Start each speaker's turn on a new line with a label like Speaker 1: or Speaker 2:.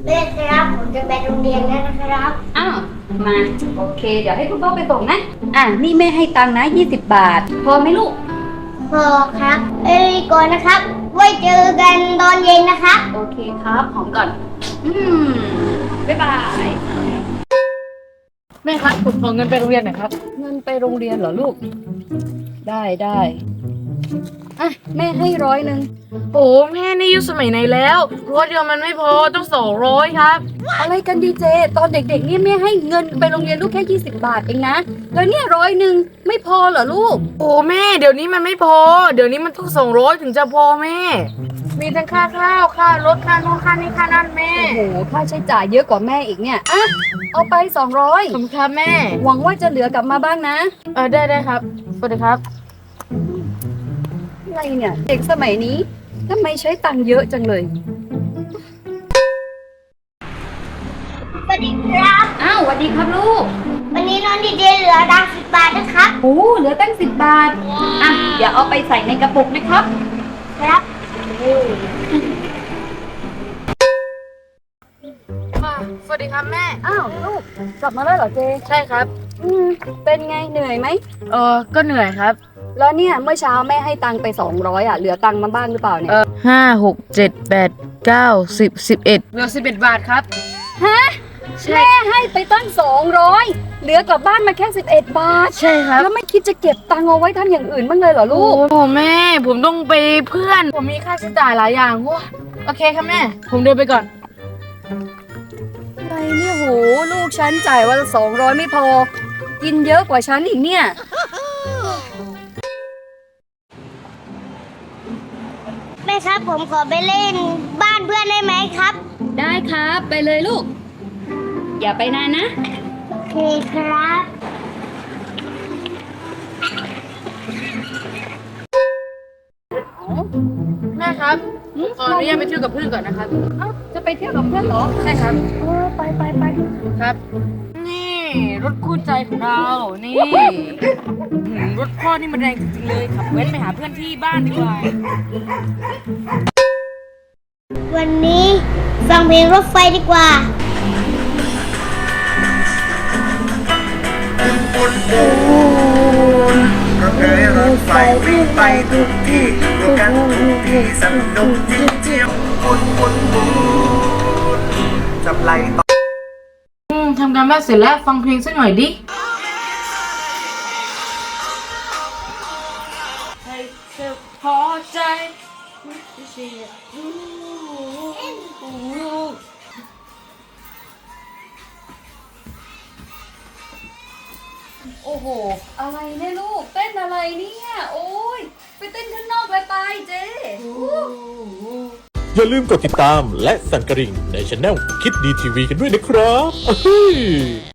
Speaker 1: แม่ครับผมจะไปโรงเรียนแล้วนะครับ
Speaker 2: อ้าวมาโอเค เดี๋ยวให้คุณพ่อไปส่งนะนี่แม่ให้ตังค์นะ20 บาท พอไหมลูก
Speaker 1: พอครับก่อนนะครับ ไว้เจอกันตอนเย็นนะครับ
Speaker 2: โอเคครับหอมก่อน อืมบ๊ายบาย
Speaker 3: แม่ครับผมขอเงินไปโรงเรียนหน่อยครับ
Speaker 2: เงินไปโรงเรียนเหรอลูก ได้แม่ให้100
Speaker 3: โอ้แม่นี่ยุคสมัยไหนแล้วรถเดียวมันไม่พอต้อง200ครับ
Speaker 2: อะไรกันดีเจ ตอนเด็กๆเนี่ยแม่ให้เงินไปโรงเรียนลูกแค่20 บาทเองนะ แล้วเนี่ย100ไม่พอเหรอลูก
Speaker 3: โอ้แม่เดี๋ยวนี้มันไม่พอ เดี๋ยวนี้มันต้อง200ถึงจะพอแม่ มีทั้งค่าข้าวค่ารถค่านู่นค่านี่ค่านั่นแม่
Speaker 2: โอ้โหค่าใช้จ่ายเยอะกว่าแม่อีกเนี่ยเอาไป
Speaker 3: ขอบคุณครับแม่
Speaker 2: 200หวังว่าจะเหลือกลับมาบ้างนะ
Speaker 3: ได้ครับสวัสดีครับ
Speaker 2: อะไรเนี่ยเด็กสมัยนี้ทำไมใช้ตังค์เยอะจังเลย
Speaker 1: สวัสดีครับ
Speaker 2: อ้าวสวัสดีครับลูก
Speaker 1: วันนี้น้องดีเจเหลือดัง10 บาทนะครับ
Speaker 2: โอ้เหลือตั้ง10 บาทเดี๋ยวเอาไปใส่ในกระปุกนะครับ
Speaker 1: ครับ
Speaker 3: สวัสดีครับแม่
Speaker 2: อ้าวลูกกลับมาแล้วเหรอเจ
Speaker 3: ใช่ครับ
Speaker 2: เป็นไงเหนื่อยไหม
Speaker 3: ก็เหนื่อยครับ
Speaker 2: แล้วเนี่ยเมื่อเช้าแม่ให้ตังค์ไป200เหลือตังค์มาบ้างหรือเปล่าเนี่ย
Speaker 3: 5 6 7 8 9 10 11เหลือ11 บาทครับ
Speaker 2: ฮะแม่ให้ไปตั้ง200เหลือกลับบ้านมาแค่11 บาท
Speaker 3: ใช่ครับ
Speaker 2: แล้วไม่คิดจะเก็บตังค์เอาไว้ทำอย่างอื่นบ้างเลยเหรอลูก
Speaker 3: โอ้แม่ผมต้องไปเพื่อน ผมมีค่าใช้จ่ายหลายอย่างว้าโอเคครับแม่ ผมเดินไปก่อน
Speaker 2: อะไรเนี่ยโหลูกฉันจ่ายวันละ200ไม่พอ กินเยอะกว่าฉันอีกเนี่ย
Speaker 1: แม่ครับผมขอไปเล่นบ้านเพื่อนได้ไหมครับ
Speaker 2: ได้ครับไปเลยลูก อย่าไปนานนะ
Speaker 1: โอเคครับ
Speaker 3: แม่ครับผมขออนุญาตไปเที่ยวกับเพื่อนก่อนนะครับ
Speaker 2: จะไปเที่ยวกับเพื่อนเหรอ
Speaker 3: ใช่ครับ
Speaker 2: ไป
Speaker 3: ครับ นี่รถคู่ใจของเรา นี่รถพ่อนี่มันแรงจริงๆเลยขับแว้นไปหาเพื่อนที่บ้านดีกว่า
Speaker 1: วันนี้ฟังเพลงรถไฟดีกว่า
Speaker 4: รถเอ๋ยรถไฟวิ่งไปทุกที่ดูกันทุกที่สนุกจริงๆหมุนจับไหลต่อ
Speaker 3: ทำการบ้านเสร็จแล้วฟังเพลงสักหน่อยดิให้เธอพอใจ
Speaker 2: โอ้โห อะไรเนี่ยลูก เต้นอะไรเนี่ย โอ้ยไปเต้นข้างนอกเลยไปเจ๊
Speaker 5: อย่าลืมกดติดตามและสั่นกระดิ่งในช anel คิดดีทีวีกันด้วยนะครับ